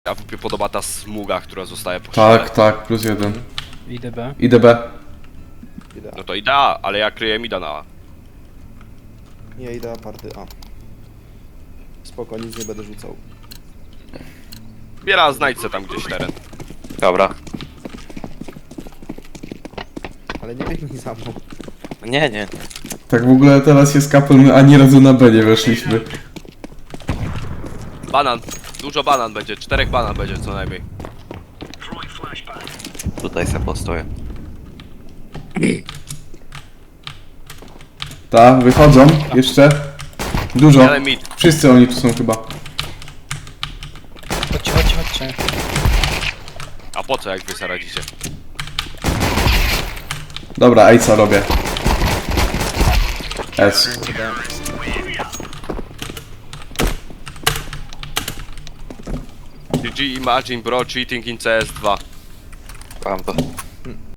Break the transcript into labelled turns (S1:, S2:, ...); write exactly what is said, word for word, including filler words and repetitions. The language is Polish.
S1: A mi podoba ta smuga, która zostaje po
S2: Tak, tak, plus jeden.
S3: Idę B.
S2: Idę B.
S4: Idea.
S1: No to idea, ale ja kryję mida na A.
S4: Nie, idea party A. Spoko, nic nie będę rzucał.
S1: Biera, znajdź se tam gdzieś teren.
S5: Dobra.
S4: Ale nie biegnij za mną.
S5: Nie, nie.
S2: Tak w ogóle teraz jest kapel, my ani razu na B nie weszliśmy.
S1: Banan. Dużo banan będzie, czterech banan będzie co najmniej.
S5: Tutaj se postoję.
S2: Ta, wychodzą jeszcze. Dużo.
S1: Jeden mid.
S2: Wszyscy oni tu są chyba.
S3: Chodźcie, chodźcie, chodźcie.
S1: A po co jak wy sobie radzicie?
S2: Dobra, ej co robię? S.
S1: G G Imagine Bro cheating in C S dwa.
S5: Mam to.